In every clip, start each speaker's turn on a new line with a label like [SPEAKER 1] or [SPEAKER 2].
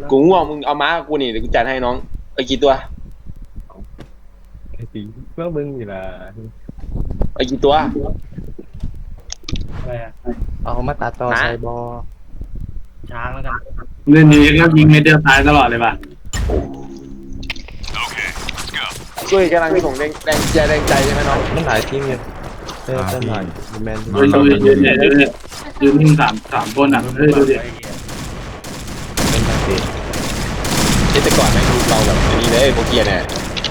[SPEAKER 1] กูง่วงมึงเอาม้ากูนี่เดี๋ยวกูจัดให้น้องไปกี่ตัว
[SPEAKER 2] ไอ้ตีเมื่อมึงนี่ล่ะ
[SPEAKER 1] ไปกี่ตัว
[SPEAKER 3] อะไรอะ
[SPEAKER 2] เอามาตัดต่อใส่บอ
[SPEAKER 3] ช้างแล้วกัน
[SPEAKER 4] เล่นนี้ก็ยิงเม็ดเดียวตายตลอดเลยป่ะ
[SPEAKER 1] ช่วยกำลังส่งแรงใจใช่ไหมน้อง
[SPEAKER 2] มันหลายทีมเนี่ยเต้นหลายแมน
[SPEAKER 4] ยืนเนี่ยยืนนิ่งสามคนอ่ะเฮ้ยดูดิ
[SPEAKER 2] เป็นมาเตะ
[SPEAKER 1] แต่ก่อนแม่งดูเราแบบนี้เลยโปเกียเนี่ย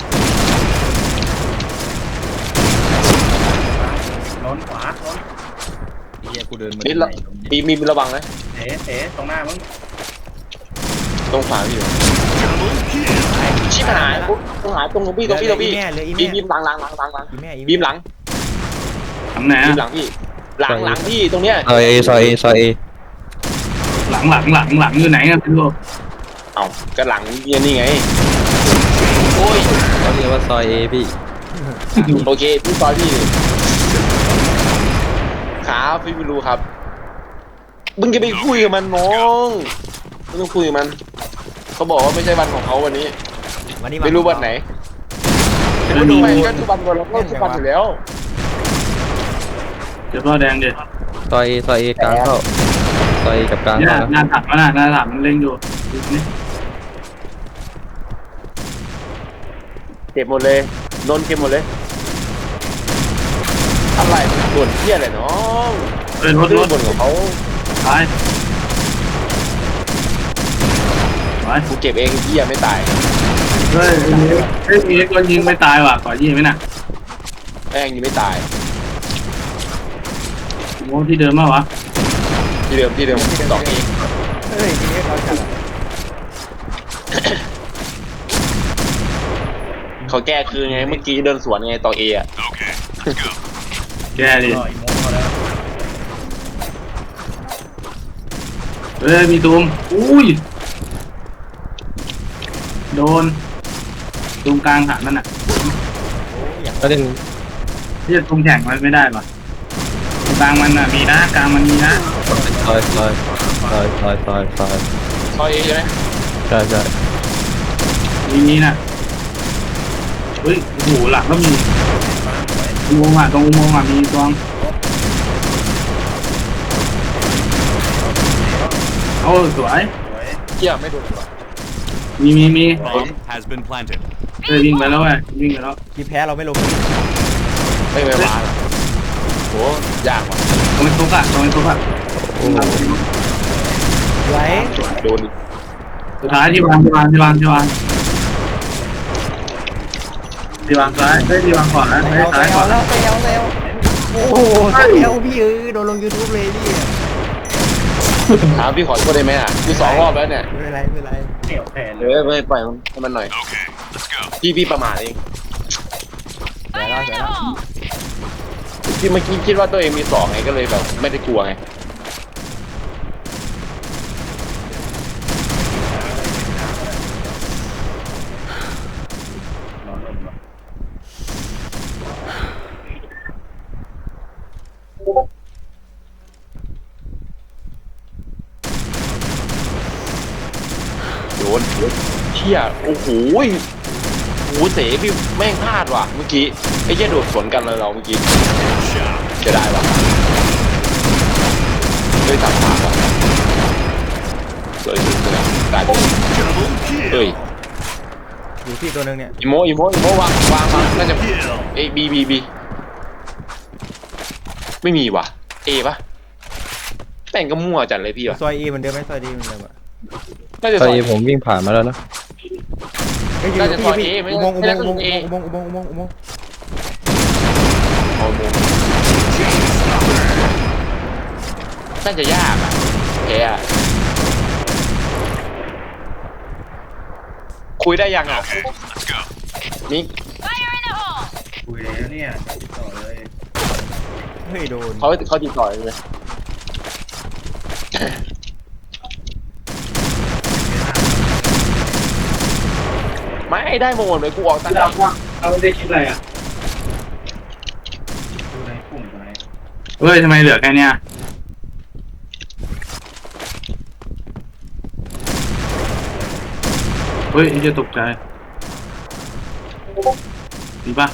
[SPEAKER 3] ล้นขวาล้น
[SPEAKER 5] เฮียกูเดินมา
[SPEAKER 1] นี่มีระวังนะ
[SPEAKER 3] เต๋ตรงหน้ามึง
[SPEAKER 1] ตรงขวาพี่อยู่ชิบหายตรงหายตรงพี่บีมหลังบีมหลัง
[SPEAKER 4] ทำไหน
[SPEAKER 1] บี
[SPEAKER 4] อ่ะ
[SPEAKER 1] มหลังพี่หลังพี่ตรงเนี้ย
[SPEAKER 2] ซอยเอ
[SPEAKER 4] หลังอยู่ไหนอ่ะพี่โล
[SPEAKER 1] เอากระหลังนี่ไงโอ้ย
[SPEAKER 2] เขาเรียกว่าซอยเอพี่
[SPEAKER 1] โอเคพี่ซอยพี่ครับพี่ไม่รู้ครับมึงจะไปคุยกับมันน้องไม่ต้องคุยกับมันเขาบอกว่าไม่ใช่วันของเขาวันนี้ไม่รู้วันไหนไม่รู้ไปก็ทุกวันเราก็ทุกวันอยู่แล้ว
[SPEAKER 4] เดี๋ยวพ่อแดงเดี๋ยว
[SPEAKER 2] ซอยเอกลางเข้าซอยกับกลาง
[SPEAKER 4] เนี่ย
[SPEAKER 2] เข้า
[SPEAKER 4] หน้าถักมาหน้าถักมันเล่งอยู่นี่
[SPEAKER 1] เจ็บหมดเลยโดนเจ็บหมดเลยอะไรโดนเที่ยอะไรน้อง
[SPEAKER 4] รถ
[SPEAKER 1] บนของเขา
[SPEAKER 4] ไป
[SPEAKER 1] กูเก็บเองเที่ยไม่ตาย
[SPEAKER 4] เฮ้ยมีคนยิงไม่ตายว่ะขอยิงไหมน่ะ
[SPEAKER 1] แม่งยังไม่ตาย
[SPEAKER 4] โมที่เดิมมั้ยวะ
[SPEAKER 1] ที่เดิมสองเอง
[SPEAKER 5] เฮ้ยทีนี้เขาจัด
[SPEAKER 1] เขาแก้คือไงเมื่อกี้เดินสวนไงต่อเออะ
[SPEAKER 4] แกดิ
[SPEAKER 3] ต่อยโมเขาแล้ว
[SPEAKER 4] เฮ้ยมีตูมอุ้ยโดนตูมกลางหันนั่นน่ะ
[SPEAKER 2] ก็เล่น
[SPEAKER 4] ที่จะตูมแข่งมันไม่ได้ป่ะกลางมันน่ะมีนะกลางมันมีนะ
[SPEAKER 2] ซอย
[SPEAKER 1] ซอยเอใช่ไหม
[SPEAKER 2] ใช่
[SPEAKER 4] มีน่ะเฮ้ยโอ้โหหลังก็มีอุโมงค์อ่ะตรงอุโมงค์อ่ะมีตวงโอ้สวย
[SPEAKER 1] เที่ยไม่โดน
[SPEAKER 4] มี
[SPEAKER 6] has been planted
[SPEAKER 4] เฮ้ยวิ่งไปแล้ววิ่งไปแล้ว
[SPEAKER 5] ที่แพ้เราไม่ลง
[SPEAKER 1] ไม่วาโหยากว่ะ
[SPEAKER 4] ตรงทุกอ่ะ
[SPEAKER 2] โอ้
[SPEAKER 5] ไหว
[SPEAKER 1] โดน
[SPEAKER 4] สุดท้ายที่วางซ้ายที่วางขวาซ้ายขวา
[SPEAKER 5] แล้วโอ้โหแล้วพี่โดนลง YouTube เลยพี่
[SPEAKER 1] ถามพี่ขอโทษได้ไหมอ่ะคือ2 รอบแล้วเนี่ย
[SPEAKER 5] ไม่เป็นไร
[SPEAKER 3] เหนียวแทน
[SPEAKER 1] ไม่ปล่อยให้มันหน่อยพี่ประมาทเอง
[SPEAKER 5] เดี๋ยว
[SPEAKER 1] ที่เมื่อกี้คิดว่าตัวเองมี2ไงก็เลยแบบไม่ได้กลัวไงโดนเชี่ยโอ้โหเสพี่แม่งพลาดว่ะเมื่อกี้ไอ้เหี้ยโดดสวนกันเราเมื่อกี้จะได้ว่ะด้วยตัดผ่านว่ะเลยกลายเป็นเฮ้ย
[SPEAKER 5] อยู่ที่ตัวนึงเนี่ย
[SPEAKER 1] อีโมวางน่าจะเอบีไม่มีว่ะเอปะแต่งก็มั่วจัดเลยพี่ว่ะ
[SPEAKER 5] ซอยเอเหมือนเดิมไหมซอยดีเหมือนเดิมอะ
[SPEAKER 2] ซอยเอผมวิ่งผ่านมาแล้วนะ
[SPEAKER 1] น่าจะซอยเอไม่ใช่อุโมงค์น่าจะยากอ่ะแกคุยได้ยังอ่ะมิก
[SPEAKER 3] คุยแล้วเนี่ยต่อเลย
[SPEAKER 5] เฮ้ยโดน
[SPEAKER 1] เขาติดต่อเลยไม่ได้โมนเลยกูออกตั้งแต่
[SPEAKER 4] เราไม่ได้คิดอะไรอ่ะ
[SPEAKER 3] ดูในกลุ่มไหน
[SPEAKER 4] เฮ้ยทำไมเหลือแค่เนี้ยเฮ้ยไอ้เหี้ยตกใจดีป่ะ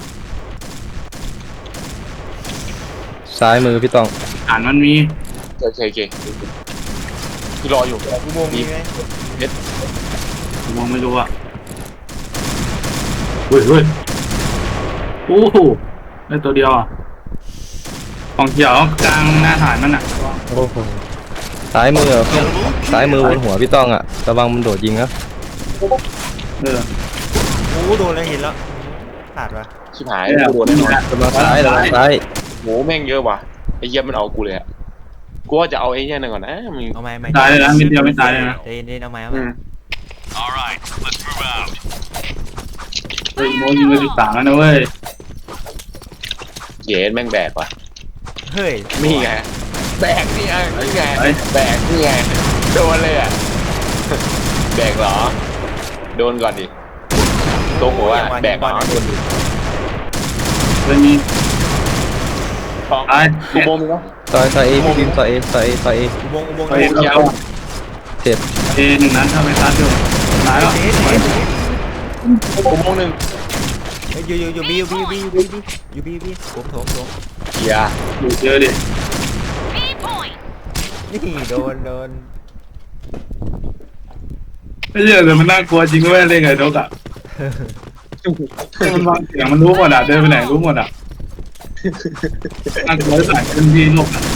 [SPEAKER 2] ซ้ายมือพี่ต้อง
[SPEAKER 4] อ่านมันมี
[SPEAKER 1] โอเคคือรออยู่
[SPEAKER 5] อุโมงค์มีไหม
[SPEAKER 4] ผมมองไม่รู้อ่ะเฮ้ยโอ้โหได้ตัวเดียวอ่ะของเขียวกลางหน้าฐานมันอ่ะ
[SPEAKER 2] โอ้โหซ้ายมือซ้ายมือบนหัวพี่ต้องอ่ะระวังมันโดดยิงนะ
[SPEAKER 4] เออ
[SPEAKER 5] โอ้โดนแล้วเห็นแล้วขาดวะ
[SPEAKER 1] ชิบหายกูโดนแน่นอน
[SPEAKER 2] ระวังซ้าย
[SPEAKER 1] โหแม่งเยอะว่ะไอ้เหี้ยมันเอากูเลยอะกูว่าจะเอาไอ้เหี้ยนั่นก่อนนะมึง
[SPEAKER 5] เอาไม้
[SPEAKER 4] ตายเลยนะนิดเดียวไม่ตายเลยนะ
[SPEAKER 5] เด่นเอาไม้เอา
[SPEAKER 1] อื
[SPEAKER 5] ไม้
[SPEAKER 1] ม
[SPEAKER 6] All right, let's move out.
[SPEAKER 4] เฮ้ยโมยิงไป13แล้วนะเว้ย
[SPEAKER 1] เย็นแม่งแบกว่ะ
[SPEAKER 5] เฮ้ย
[SPEAKER 1] นี่ไงแบกนี่ไงแบกนี่ไงโดนเลยอ่ะแบกเหรอโดนก่อนดิตรงหัวแบกเหรอโดนดิ
[SPEAKER 4] เลยมี
[SPEAKER 1] ทอง
[SPEAKER 4] ตาย
[SPEAKER 1] กูโมงมึงวะ
[SPEAKER 2] ซอยเอพี่พิมพ์ซอยเอ
[SPEAKER 5] อุโมงค์
[SPEAKER 4] เฮ้ย
[SPEAKER 1] ยาว
[SPEAKER 2] เจ็บ
[SPEAKER 4] เอหนึ่งนั้นถ้าไปซัดอยู่ตายแล้ว
[SPEAKER 1] กูโมงหนึ่ง
[SPEAKER 5] อยู่บีผมโถม
[SPEAKER 1] เฮีย
[SPEAKER 4] อยู่เยอะดิ
[SPEAKER 5] นี่โดน
[SPEAKER 4] ไม่เยอะแต่มันน่ากลัวจริงด้วยเล่นไงนกอ่ะมันวางเสียงมันรู้หมดอ่ะเดินไปไหนรู้หมดอ่ะน่ากลัวที่สุดเป็นที่นกอ่ะ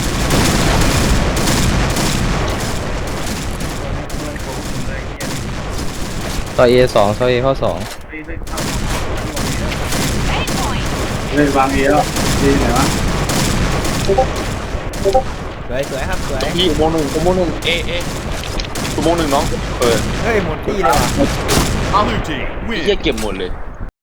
[SPEAKER 2] ซอยเอ2ซอยเอเข้า2
[SPEAKER 4] เลยวางเอแล้วดีไหนวะ
[SPEAKER 5] สวยครับสวย
[SPEAKER 1] ตรงพี่กูโมงหนึ่งเอกูโมงหนึ่งน้อง
[SPEAKER 5] เฮ้ยหมดที่เลยว่ะ
[SPEAKER 6] Blue team
[SPEAKER 1] ไอ้
[SPEAKER 6] win.
[SPEAKER 1] เหี้ยเก็บหมดเลย